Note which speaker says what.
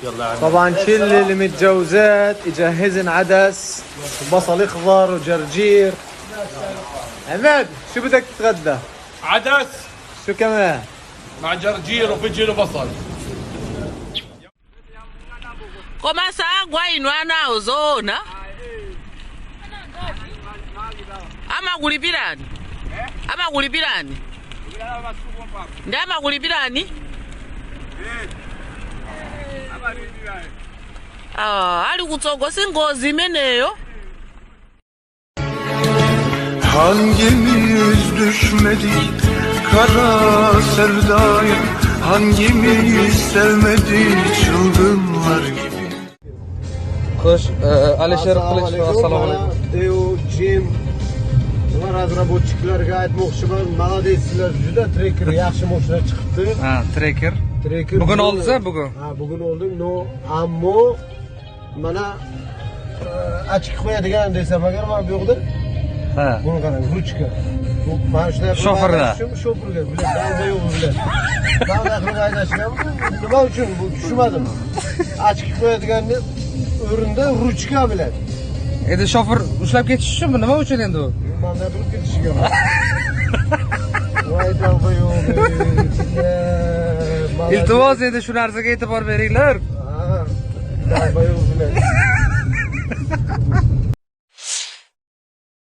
Speaker 1: يلا عم.
Speaker 2: طبعا كل اللي متجوزات يجهزن عدس وبصل اخضر وجرجير. عماد شو بدك تتغدى؟
Speaker 1: عدس
Speaker 2: شو كمان؟
Speaker 1: مع جرجير وفجل وبصل.
Speaker 3: Komasa gwainwa nawo zona. Amagulipirani? Amagulipirani? Ndi amagulipirani? Ali kutsogo singozi imeneyo.
Speaker 4: Hangimiz düşmedik kara sevdaya, hangimiz sevmedik çılgınlar gibi.
Speaker 2: Xo'sh, Alisher Qilichov, assalomu alaykum.
Speaker 5: Deo, Jim, va razraботчикларga aytmoqchiman, молодецlar, juda trekker yaxshi mashina chiqibdi.
Speaker 2: Ha, trekker. Bugun oldingiz-a, bugun?
Speaker 5: Ha, bugun oldim. No, ammo mana ochib qo'yadigan desam agar mana bu yoqda.
Speaker 2: Ha.
Speaker 5: Buni qarang, ruchka. Bu mana shunday
Speaker 2: Shoferda.
Speaker 5: Shoferga, bular dalda yo'q bular. Dalda qilib haydashgan. Nima uchun bu tushunmadim. Ochib qo'yadiganni o'rinda ruchka bilan.
Speaker 2: Endi shofer ushlab ketish uchunmi? Nima uchun endi u?
Speaker 5: Manda turib ketishiga. Voy dalda yo'q.
Speaker 2: Iltimos endi shu narsaga e'tibor beringlar.
Speaker 5: Ha. Dalda yo'q bilan.